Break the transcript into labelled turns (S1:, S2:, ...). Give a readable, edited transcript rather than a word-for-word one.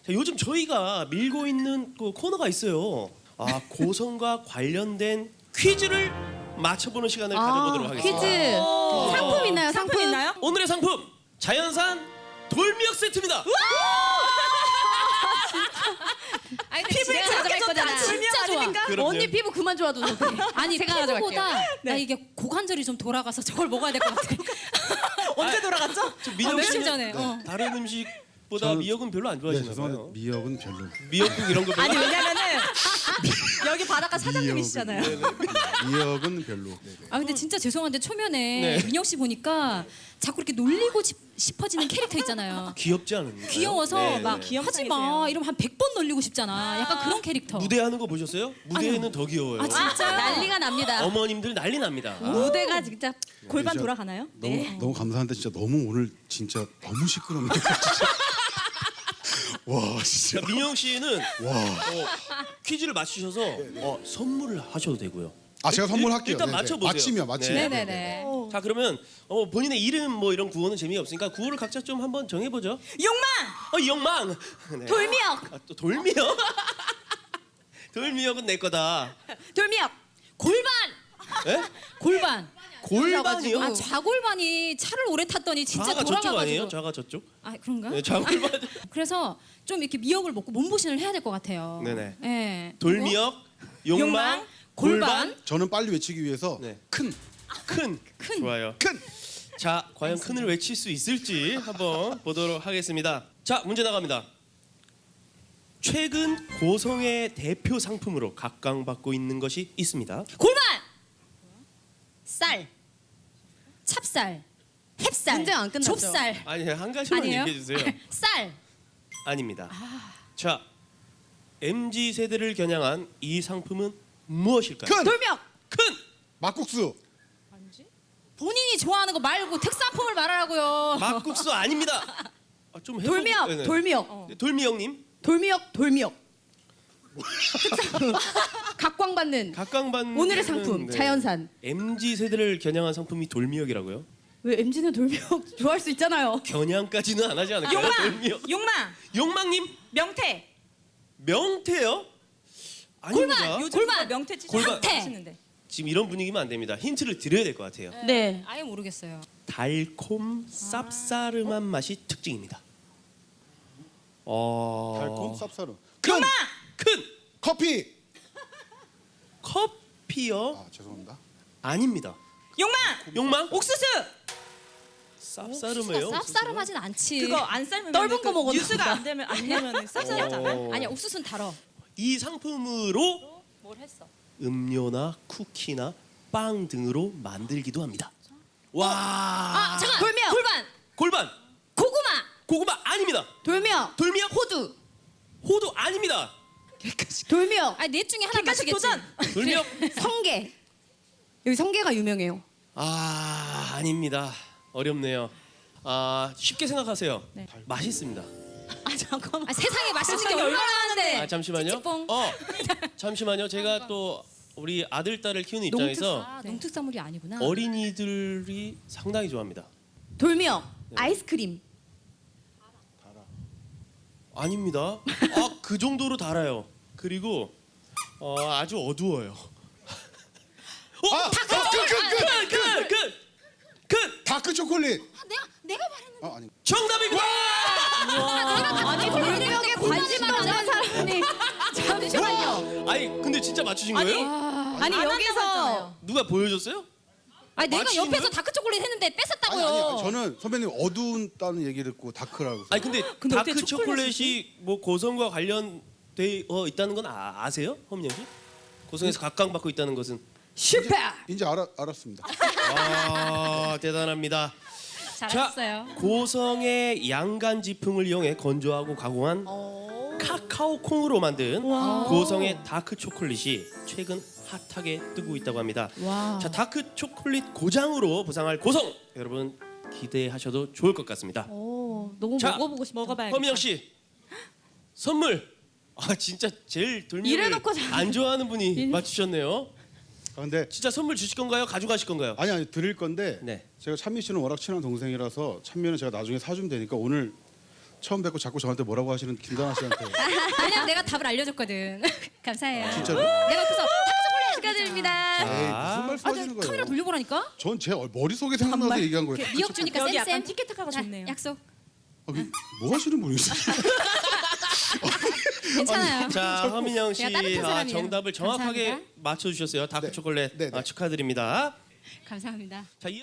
S1: 자, 요즘 저희가 밀고 있는 그 코너가 있어요. 아, 고성과 관련된 퀴즈를 맞춰보는 시간을 가져보도록 하겠습니다.
S2: 퀴즈. 상품 있나요?
S3: 상품 있나요?
S1: 오늘의 상품 자연산 돌미역 세트입니다.
S2: 아니,
S3: 피부에 그렇게 좋다. 돌미역
S2: 진짜 좋아.
S3: 아닙니까?
S1: 그럼요.
S2: 언니 피부 그만 좋아도 돼.
S4: 아니
S2: 제가 가져갈게요.
S4: 피부보다
S3: 네.
S4: 나 이게 고관절이 좀 돌아가서 저걸 먹어야 될 것 같아.
S3: 언제 돌아갔죠?
S1: 민영
S4: 며칠
S1: 씨는
S4: 전에.
S1: 다른 음식보다
S5: 저는-
S1: 미역은 별로 안
S5: 네,
S1: 좋아하시나
S5: 죄송한데
S1: 봐요.
S5: 미역은 별로.
S1: 미역국 이런 거 별로.
S3: 아니 왜냐면은 여기 바닷가 사장님이시잖아요.
S5: 미역은 별로. 네.
S4: 아 근데 진짜 죄송한데 초면에
S1: 네.
S4: 민영 씨 보니까 자꾸 이렇게 놀리고 싶어지는 캐릭터 있잖아요.
S1: 귀엽지 않은가요?
S4: 귀여워서
S1: 네,
S4: 막
S1: 네.
S3: 귀염
S4: 하지
S3: 사이즈예요.
S4: 마 이러면 한 100번 놀리고 싶잖아. 약간 그런 캐릭터.
S1: 무대하는 거 보셨어요? 무대에는 더 귀여워요.
S4: 아 진짜
S2: 난리가 납니다.
S1: 어머님들 난리 납니다.
S2: 무대가 진짜
S3: 골반
S5: 진짜
S3: 돌아가나요?
S5: 너무 감사한데 진짜 너무 오늘 진짜 너무 시끄럽네요. 진짜. 와 진짜.
S1: 자, 민영 씨는
S5: 와.
S1: 퀴즈를 맞추셔서 선물을 하셔도 되고요.
S5: 아 제가 선물할게요.
S1: 일단
S5: 네, 네.
S1: 맞춰보세요.
S5: 맞히면 맞히면.
S1: 네.
S2: 네네네.
S1: 자, 그러면 본인의 이름 뭐 이런 구호는 재미없으니까 구호를 각자 좀 한번 정해보죠.
S3: 욕망!
S1: 영망. 네.
S2: 돌미역.
S1: 아, 또 돌미역? 돌미역은 내 거다.
S2: 돌미역.
S4: 골반.
S1: 예?
S4: 골반.
S1: 골반이요?
S4: 아 좌골반이 차를 오래 탔더니 진짜
S1: 좌가 저쪽 아니에요?
S4: 돌아가가지고.
S1: 좌가 저쪽?
S4: 아 그런가?
S1: 네, 좌골반.
S4: 그래서 좀 이렇게 미역을 먹고 몸보신을 해야 될 것 같아요.
S1: 네네.
S4: 예.
S1: 돌미역, 욕망,
S3: 욕망,
S1: 골반,
S5: 저는 빨리 외치기 위해서
S1: 네.
S5: 큰.
S1: 큰.
S4: 큰.
S1: 좋아요.
S5: 큰.
S1: 자, 과연 큰을 외칠 수 있을지 한번 보도록 하겠습니다. 자, 문제 나갑니다. 최근 고성의 대표 상품으로 각광받고 있는 것이 있습니다.
S4: 골반. 쌀. 찹쌀. 햅쌀.
S2: 문제 안 끝났죠?
S4: 좁쌀.
S1: 아니, 한 가지만
S4: 아니에요?
S1: 얘기해 주세요.
S4: 쌀.
S1: 아닙니다. 자, MZ 세대를 겨냥한 이 상품은 무엇일까요?
S5: 큰.
S2: 돌미역.
S1: 큰.
S5: 막국수.
S4: 본인이 좋아하는 거 말고 특산품을 말하라고요.
S1: 막국수 아닙니다. 아, 좀 해보고.
S2: 돌미역.
S1: 네네.
S2: 돌미역.
S1: 네, 돌미역님
S2: 돌미역. 돌미역. 각광받는
S1: 각광받는
S2: 오늘의 상품
S1: 네.
S2: 자연산.
S1: MZ 세대를 겨냥한 상품이 돌미역이라고요?
S2: 왜 MZ는 돌미역 좋아할 수 있잖아요.
S1: 겨냥까지는 안 하지 않을까요?
S3: 욕망!
S1: 돌미역.
S3: 욕망!
S1: 욕망님
S3: 명태!
S1: 명태요? 아닙니다.
S3: 요즘
S4: 골반!
S3: 명태 진짜
S1: 골반!
S3: 많이 하시는데.
S1: 지금 이런 분위기면 안 됩니다. 힌트를 드려야 될 것 같아요.
S2: 네.
S4: 아예 모르겠어요.
S1: 달콤 쌉싸름한 맛이 특징입니다.
S5: 달콤 쌉싸름. 큰.
S3: 욕망!
S1: 큰
S5: 커피.
S1: 커피요?
S5: 아 죄송합니다.
S1: 아닙니다.
S3: 욕망!
S1: 욕망?
S3: 옥수수!
S1: 쌉싸름해요.
S4: 쌉싸름하진 않지.
S3: 그거 안 삶으면
S2: 넓은 거 먹어도
S3: 뉴스가
S2: 된다.
S3: 안 되면 안 되면 쌉싸름하잖아요.
S4: 아니야 옥수수는 달어.
S1: 이 상품으로
S3: 뭘 했어?
S1: 음료나 쿠키나 빵 등으로 만들기도 합니다. 와.
S4: 아 잠깐.
S2: 돌미역.
S4: 골반.
S1: 골반.
S4: 고구마.
S1: 고구마 아닙니다.
S2: 돌미역.
S1: 돌미역.
S2: 호두.
S1: 호두 아닙니다.
S2: 돌미역.
S4: 아니 넷 중에 하나
S3: 객관식
S4: 맞추겠지.
S3: 도전!
S1: 돌미역.
S2: 성게. 여기 성게가 유명해요.
S1: 아 아닙니다. 어렵네요. 아 쉽게 생각하세요.
S4: 네.
S1: 맛있습니다.
S3: 아 잠깐만.
S4: 아, 세상에 맛있는 게
S3: 세상에
S4: 얼마나
S3: 얼마나
S4: 많은데.
S1: 아 잠시만요.
S4: 찌찌뽕.
S1: 잠시만요. 제가 또 우리 아들 딸을 키우는 입장에서
S4: 아, 농특산물이 아니구나.
S1: 어린이들이 상당히 좋아합니다.
S2: 돌미역. 아이스크림.
S1: 아닙니다. 아 그 정도로 달아요. 그리고 아주 어두워요. 큰
S5: 다크 초콜릿.
S4: 내가 말했는.
S5: 아니.
S1: 정답입니다.
S2: 아니 돌미역에 관심 없는 사람이 잠시만요.
S1: 아니 근데 진짜 맞추신 거예요?
S2: 아니
S3: 안
S2: 여기서
S3: 한다고
S1: 누가 보여줬어요?
S4: 아니 내가
S1: 맛있는
S4: 옆에서
S1: 거야?
S4: 다크 초콜릿 했는데
S5: 아니
S4: 뺏었다고요.
S5: 저는 선배님 어두운다는 얘기를 듣고 다크라고.
S1: 아니 근데
S3: 근데
S1: 다크
S3: 어떻게
S1: 초콜릿이 뭐 고성과 관련되어 있다는 건 아세요, 허민영 씨? 고성에서 각광받고 있다는 것은
S2: 슈퍼.
S5: 이제 알았습니다.
S1: 아 대단합니다.
S4: 잘하셨어요.
S1: 고성의 양간 지풍을 이용해 건조하고 가공한 카카오 콩으로 만든 고성의 다크 초콜릿이 최근 핫하게 뜨고 있다고 합니다.
S2: 와.
S1: 자, 다크 초콜릿 고장으로 부상할 고성 여러분 기대하셔도 좋을 것 같습니다.
S2: 오 너무
S1: 자,
S2: 먹어보고 싶다.
S3: 먹어봐야겠다.
S1: 허민영 씨 선물. 아 진짜 제일 돌미역을
S2: 이래놓고 잘-
S1: 안 좋아하는 분이 맞추셨네요.
S5: 아, 근데
S1: 진짜 선물 주실 건가요? 가져가실 건가요?
S5: 아니 드릴 건데
S1: 네.
S5: 제가 찬미 씨는 워낙 친한 동생이라서 찬미는 제가 나중에 사주면 되니까 오늘 처음 뵙고 자꾸 저한테 뭐라고 하시는 김다나 씨한테
S4: 왜냐면 내가 답을 알려줬거든. 감사해요.
S5: 진짜로?
S4: 내가 그래서 탁 축하드립니다.
S5: 에이 무슨 말씀하시는 거예요?
S4: 카메라 돌려보라니까.
S5: 전 제 머릿속에 생각나서 얘기한 거예요.
S4: 미역 주니까
S3: 여기
S4: 쌤쌤.
S3: 약간 티켓타카가
S4: 자,
S3: 좋네요.
S4: 약속.
S5: 뭐 하시는 분이세요?
S4: 괜찮아요.
S1: 자, 허민영 씨
S4: 제가 따뜻한 사람이에요.
S1: 정답을 정확하게
S4: 감사합니다.
S1: 맞춰주셨어요. 다크
S5: 네.
S1: 초콜릿
S5: 네, 네.
S1: 축하드립니다.
S4: 감사합니다.
S1: 자,